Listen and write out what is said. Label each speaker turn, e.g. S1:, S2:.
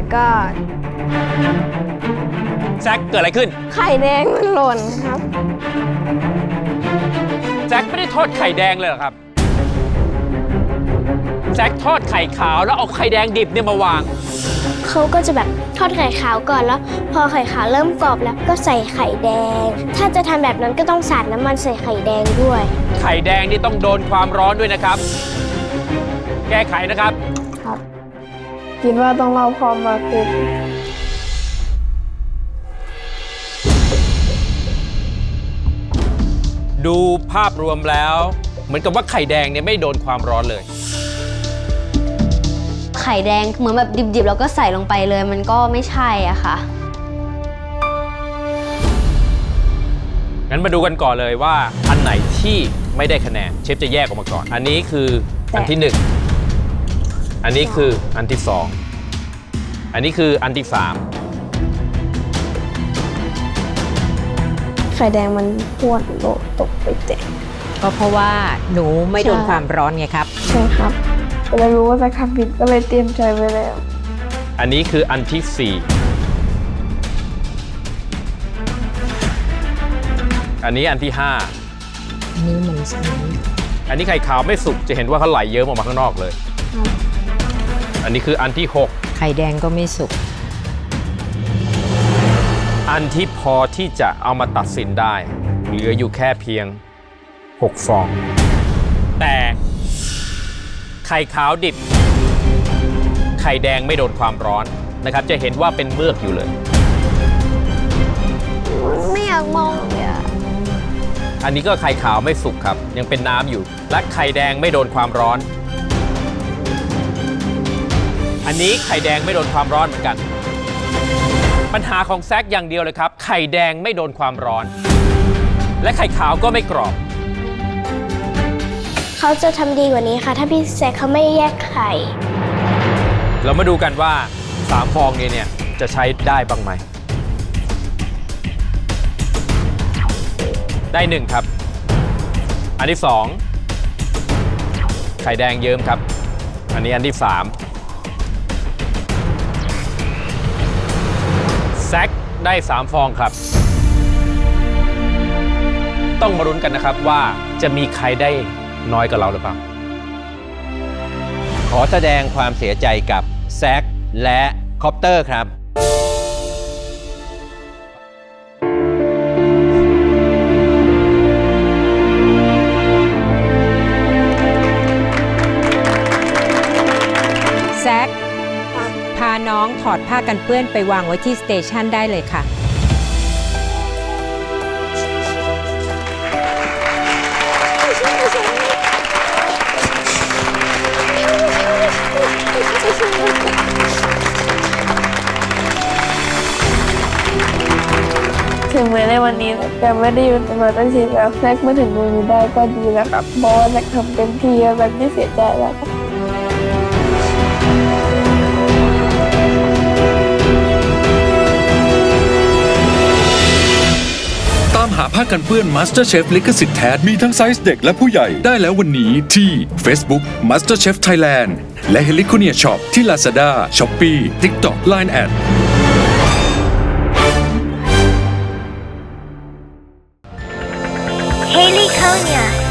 S1: god
S2: แซคเกิดอะไรขึ้น
S1: ไข่แดงมันหล่นครับ
S2: แซคไม่ได้ทอดไข่แดงเลยเหรอครับแซคทอดไข่ขาวแล้วเอาไข่แดงดิบเนี่ยมาวาง
S3: เขาก็จะแบบทอดไข่ขาวก่อนแล้ว พอไข่ขาวเริ่มกรอบแล้วก็ใส่ไข่แดง ถ้าจะทำแบบนั้นก็ต้องสาดน้ำมันใส่ไข่แดงด้วย
S2: ไข่แดงนี่ต้องโดนความร้อนด้วยนะครับ แก้ไขนะครับ
S1: ครับ คิดว่าต้องเราพร้อมมากขึ้น
S2: ดูภาพรวมแล้ว เหมือนกับว่าไข่แดงเนี่ยไม่โดนความร้อนเลย
S4: ไข่แดงเหมือนแบบดิบๆแล้วก็ใส่ลงไปเลยมันก็ไม่ใช่อะค่ะ
S2: งั้นมาดูกันก่อนเลยว่าอันไหนที่ไม่ได้คะแนนเชฟจะแยกออกมาก่อน อันนี้คืออันที่ 1 อันนี้คืออันที่ 2 อันนี้คืออันที่
S1: ไข่แดงมันพวดโลตกไปแตก
S5: ก็เพราะว่าหนูไม่โดนความร้อนไงครับ
S1: ใช่ครับก็เลยรู้ว่าจะทำผิดก็เลยเตรียมใจไว้แล้ว
S2: 3 อันนี้คืออันที่ 4 อันนี้อันที่
S5: อันนี้มันใช่
S2: 5 อันนี้ไข่ขาวไม่สุกจะเห็นว่าเขาไหลเยิ้มออกมาข้างนอกเลย อันนี้คืออันที่
S5: ไข่แดงก็ไม่สุก
S2: 6 อันที่พอที่จะเอามาตัดสินได้ เหลืออยู่แค่เพียง 6 ฟอง แต่ไข่ขาวดิบ ไข่แดงไม่โดนความร้อนนะครับ จะเห็นว่าเป็นเมือกอยู่เลย
S1: ไม่อยากมองเลยอะ
S2: อันนี้ก็ไข่ขาวไม่สุกครับ ยังเป็นน้ำอยู่ และไข่แดงไม่โดนความร้อน อันนี้ไข่แดงไม่โดนความร้อนเหมือนกัน ปัญหาของแซคอย่างเดียวเลยครับ ไข่แดงไม่โดนความร้อน และไข่ขาวก็ไม่กรอบ
S3: เขาจะทำดีกว่านี้ค่ะ ถ้าพี่แซคเขาไม่แยกไข่
S2: เรามาดูกันว่า 3 ฟองนี้เนี่ยจะใช้ได้บ้างไหม ได้ 1 ครับ อันที่ 2 ไข่แดงเยิ้มครับ อันนี้อันที่ 3 แซคได้ 3 ฟองครับ ต้องมาลุ้นกันนะครับว่าจะมีใครได้น้อยกว่าเราหรือเปล่า
S6: ขอแสดงความเสียใจกับแซคและคอปเตอร์ครับ
S5: แซคพาน้องถอดผ้ากันเปื้อนไปวางไว้ที่สเตชันได้เลยค่ะ
S1: ถึงแม้ในวันนี้จะไม่ได้อยู่ในมาตั้งทีแล้วแซกมาถึงตรงนี้ได้ก็ดีแล้วครับเพราะว่าแซกทำเต็มที่แล้วแซกไม่เสียใจแล้วครับ
S7: ตามหาผ้ากันเปื้อน MasterChef ลิขสิทธิ์แท้มีทั้งไซส์เด็กและผู้ใหญ่ได้แล้ววันนี้ที่ Facebook MasterChef Thailand และ Heliconia Shop ที่ Lazada, Shopee, TikTok, Line@
S3: Heliconia